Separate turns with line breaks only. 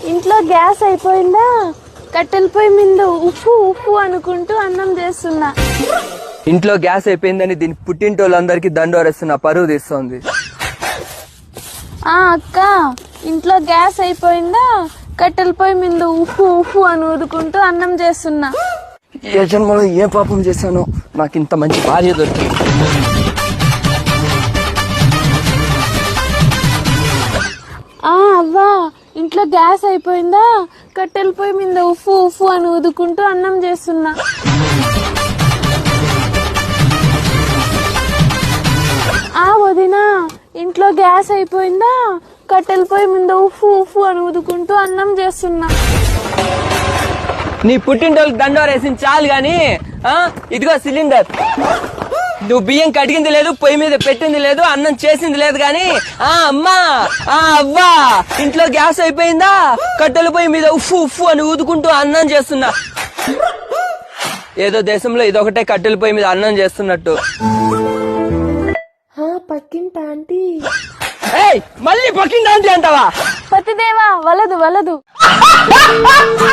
ఇంట్లో గ్యాస్ అయిపోయిందా, కట్టెల పొయ్యి మీద ఉప్పు ఉప్పు అనుకుంటూ అన్నం చేస్తున్నా.
ఇంట్లో గ్యాస్ అయిపోయిందని దీని పుట్టింటోళ్ళందరికీ దండోరేస్తున్నా, పరువు తీస్తోంది.
అక్క, ఇంట్లో గ్యాస్ అయిపోయిందా, కట్టెల పొయ్యి మీద ఉప్పు ఉప్పు అని ఊదుకుంటూ అన్నం చేస్తున్నా.
ఏ జన్మలో ఏ పాపం చేశానో నాకు ఇంత మంచి భార్య దొరికింది.
అవ్వా, ఇంట్లో గ్యాస్ అయిపోయిందా, కట్టెల పొయ్యి మీద ఉప్పు ఉప్పు అని ఊదుకుంటూ అన్నం చేస్తున్నా. వదినా, ఇంట్లో గ్యాస్ అయిపోయిందా, కట్టెల పొయ్యి మీద ఉప్పు ఉప్పు అని ఊదుకుంటూ అన్నం చేస్తున్నా.
నీ పుట్టింటోళ్ళకి దండోరేసింది చాలు గాని, ఇదిగో సిలిండర్. నువ్వు బియ్యం కడిగింది లేదు, పొయ్యి మీద పెట్టింది లేదు, అన్నం చేసింది లేదు గాని, అమ్మా అవ్వా, ఇంట్లో గ్యాస్ అయిపోయిందా, కట్టెల పొయ్యి మీద ఉఫ్ఫు ఉఫ్ఫు అని ఊదుకుంటూ అన్నం చేస్తున్నా. ఏదో దేశంలో ఇదొకటే కట్టెల పొయ్యి మీద అన్నం చేస్తున్నట్టు.
పక్కింటి ఆంటీ.
మళ్ళీ పక్కింటి ఆంటీ అంటావా?
పతిదేవా, వలదు వలదు.